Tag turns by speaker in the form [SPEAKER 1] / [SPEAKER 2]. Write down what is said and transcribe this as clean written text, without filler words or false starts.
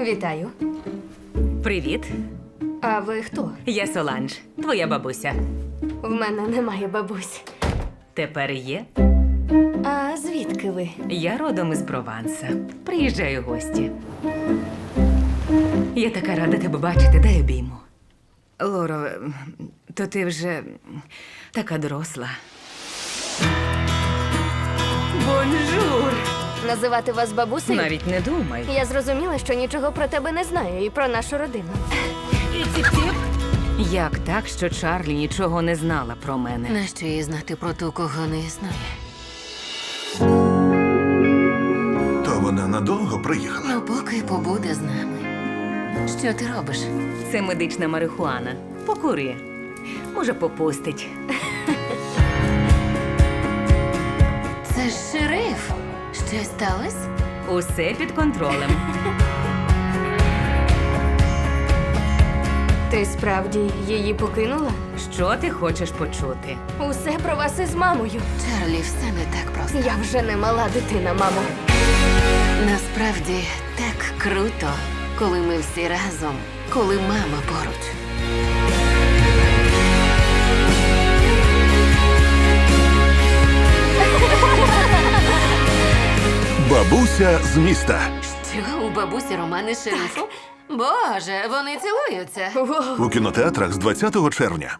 [SPEAKER 1] Вітаю.
[SPEAKER 2] Привіт,
[SPEAKER 1] А ви хто?
[SPEAKER 2] я Соланж, твоя бабуся.
[SPEAKER 1] В мене немає бабусь.
[SPEAKER 2] Тепер є.
[SPEAKER 1] А звідки ви?
[SPEAKER 2] Я родом із Прованса. Приїжджаю в гості. Я така рада тебе бачити, дай обійму. Лоро, то ти вже така доросла. Бонжур!
[SPEAKER 1] Називати вас бабусею?
[SPEAKER 2] Навіть не думай.
[SPEAKER 1] Я зрозуміла, що нічого про тебе не знаю і про нашу родину.
[SPEAKER 2] Як так, що Чарлі нічого не знала про мене?
[SPEAKER 3] Нащо їй знати про ту, кого не існує?
[SPEAKER 4] То вона надовго приїхала.
[SPEAKER 3] Ну, поки побуде з нами. Що ти робиш?
[SPEAKER 2] Це медична марихуана. Покури. Може, попустить.
[SPEAKER 3] Це ж шериф. Щось сталося?
[SPEAKER 2] Усе під контролем.
[SPEAKER 1] Ти справді її покинула?
[SPEAKER 2] Що ти хочеш почути?
[SPEAKER 1] Усе про вас із мамою.
[SPEAKER 3] Чарлі, все не так просто.
[SPEAKER 1] Я вже не мала дитина, мамо.
[SPEAKER 3] Насправді так круто, коли ми всі разом, коли мама поруч.
[SPEAKER 4] Бабуся з міста.
[SPEAKER 3] Що, у бабусі романи з шерифом? Боже, вони цілуються.
[SPEAKER 1] Воу.
[SPEAKER 4] У кінотеатрах з 20 червня.